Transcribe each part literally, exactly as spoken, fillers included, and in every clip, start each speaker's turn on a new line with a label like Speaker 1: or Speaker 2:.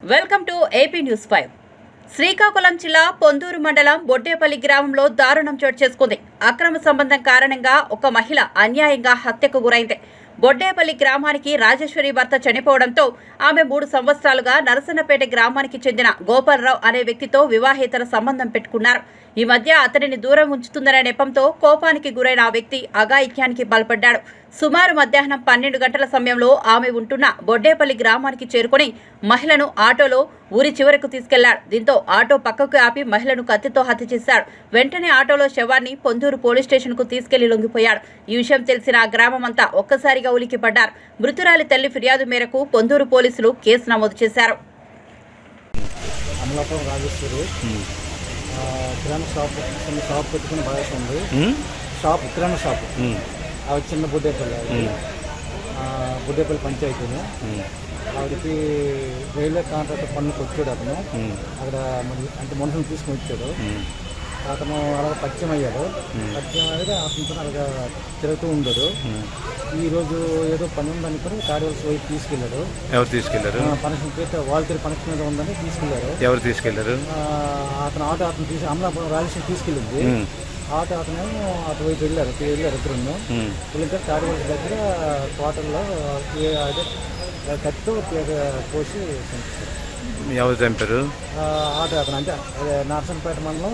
Speaker 1: Welcome to AP news five. Srikakulam జిల్లా పొందూరు మండలం బొడ్డేపల్లి గ్రామంలో దారుణం చోటు చేసుకుంది. అక్రమ సంబంధం కారణంగా ఒక మహిళ అన్యాయంగా హత్యకు గురైంది. బొడ్డేపల్లి గ్రామానికి రాజేశ్వరి భర్త చనిపోవడంతో ఆమె మూడు సంవత్సరాలుగా నరసన్నపేట గ్రామానికి చెందిన గోపాలరావు అనే వ్యక్తితో వివాహేతర సంబంధం పెట్టుకున్నారు. ఈ మధ్య అతనిని దూరం ఉంచుతుందనే నెపంతో కోపానికి గురైన ఆ వ్యక్తి అఘాయిత్యానికి పాల్పడ్డాడు. సుమారు మధ్యాహ్నం పన్నెండు గంటల సమయంలో ఆమె ఉంటున్న బొడ్డేపల్లి గ్రామానికి చేరుకుని మహిళను ఆటోలో ఊరి చివరకు తీసుకెళ్లాడు. దీంతో ఆటో పక్కకు ఆపి మహిళను కత్తితో హత్య చేశాడు. వెంటనే ఆటోలో శవాన్ని పొందూరు పోలీస్ స్టేషన్ కు తీసుకెళ్లి లొంగిపోయాడు. ఈ విషయం తెలిసిన ఆ గ్రామమంతా ఒక్కసారిగా ఉలిక్కిపడ్డారు. మృతురాలి తల్లి ఫిర్యాదు మేరకు పొందూరు పోలీసులు కేసు నమోదు చేశారు.
Speaker 2: కిరాణా షాప్ చిన్న షాప్ పెట్టుకుని బాగా ఉంది. షాప్ కిరాణా షాప్ అవి చిన్న బుడ్డేపల్లి బుడ్డేపల్లి పంచాయతీని ఆవిడకి రైల్వే కాంట్రాక్టర్ పన్నుకు వచ్చాడు. అతను అక్కడ అంటే మనుషులు తీసుకుని వచ్చాడు. అతను అలాగ పరిచయం అయ్యాడు. పరిచయం అయ్యాక అతనితో అలాగా తిరుగుతూ ఉండడు. ఈరోజు ఏదో పని ఉందని కూడా కార్యవలసి వైపు తీసుకెళ్లారు.
Speaker 3: ఎవరు తీసుకెళ్లారు?
Speaker 2: పనక్షన్ చేస్తే వాలంటీర్ పనక్షన్ మీద ఉందని తీసుకెళ్లారు.
Speaker 3: ఎవరు తీసుకెళ్లారు?
Speaker 2: అతను ఆటో అతను తీసి అమలాపురం రాజేశ్వరి తీసుకెళ్ళింది. ఆటో అతనేమో అటు వైపు వెళ్ళారు వెళ్ళారు ఇద్దరు. వెళ్ళితే కార్యవలసి దగ్గర క్వార్టర్లో అదే కత్తితో పోసి
Speaker 3: ఎవరు చంపారు?
Speaker 2: ఆటో అతను అంటే నరసన్నపేట మండలం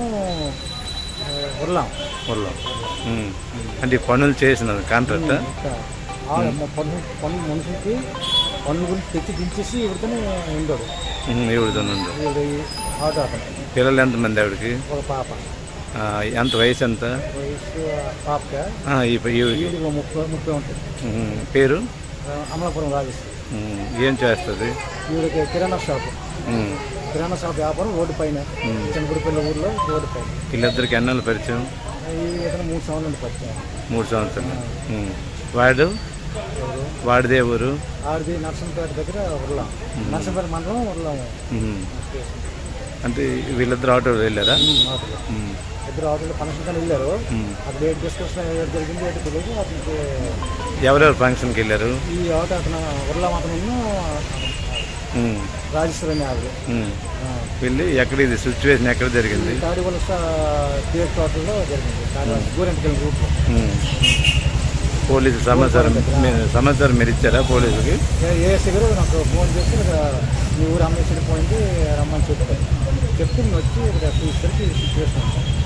Speaker 2: ఉర్లాం
Speaker 3: ఉర్లాం అంటే పనులు చేసిన కాంట్రాక్ట్
Speaker 2: పన్ను పన్ను మనుషులకి పన్ను గురించి తెచ్చి దించేసి ఇవిడితోనే ఉండడు.
Speaker 3: ఇవిడితో
Speaker 2: ఆటో అతను.
Speaker 3: పిల్లలు ఎంతమంది ఆవిడకి?
Speaker 2: ఒక పాప.
Speaker 3: ఎంత వయసు ఎంత?
Speaker 2: వయసు పాపకి ముప్పై ముప్పై ఉంటుంది.
Speaker 3: పేరు?
Speaker 2: అమలాపురం రాజేశ్వరి.
Speaker 3: ఏం చేస్తుంది?
Speaker 2: ఈవిడకి కిరాణా షాప్ కిరాణా షాప్ వ్యాపారం రోడ్డు పైన చిన్నగుడిపల్లి ఊర్లో రోడ్డు పైన.
Speaker 3: వీళ్ళిద్దరికి ఎన్నాళ్ళు పరిచయం?
Speaker 2: ఇతను మూడు సంవత్సరాల నుండి పరిచయం.
Speaker 3: మూడు సంవత్సరాలు. వాడు వాడిదే ఊరు?
Speaker 2: ఆడిది నర్సంపేట దగ్గర ఉర్లాం నర్సంపేట మండలం ఉర్లాం.
Speaker 3: అంటే వీళ్ళిద్దరు ఆటోలో వెళ్ళారా?
Speaker 2: ఇద్దరు ఆటోలో ఫంక్షన్కి వెళ్ళారు. అక్కడ ఏడు డిస్కషన్ జరిగింది ఏంటి తెలియదు. అతనికి
Speaker 3: ఎవరెవరు ఫంక్షన్కి వెళ్ళారు?
Speaker 2: ఈ ఆటో అతను ఉర్లాం అతను రాజేశ్వరి అని ఆవిడ
Speaker 3: వెళ్ళి ఎక్కడ ఇది సిచ్యువేషన్ ఎక్కడ జరిగింది?
Speaker 2: తాడివలస థియేటర్ హోటల్లో జరిగింది. గోరెంట్కెళ్ళి రూట్లో.
Speaker 3: పోలీసు సమాచారం సమాచారం మీరు ఇచ్చారా పోలీసులకి?
Speaker 2: ఏఎస్ఐ గారు నాకు ఫోన్ చేసి మీ ఊరు అమ్మేసి పోయింది రమ్మని చెప్తారు. చెప్తే వచ్చి ఇక్కడ తీసుకెళ్ళి సిచ్యువేషన్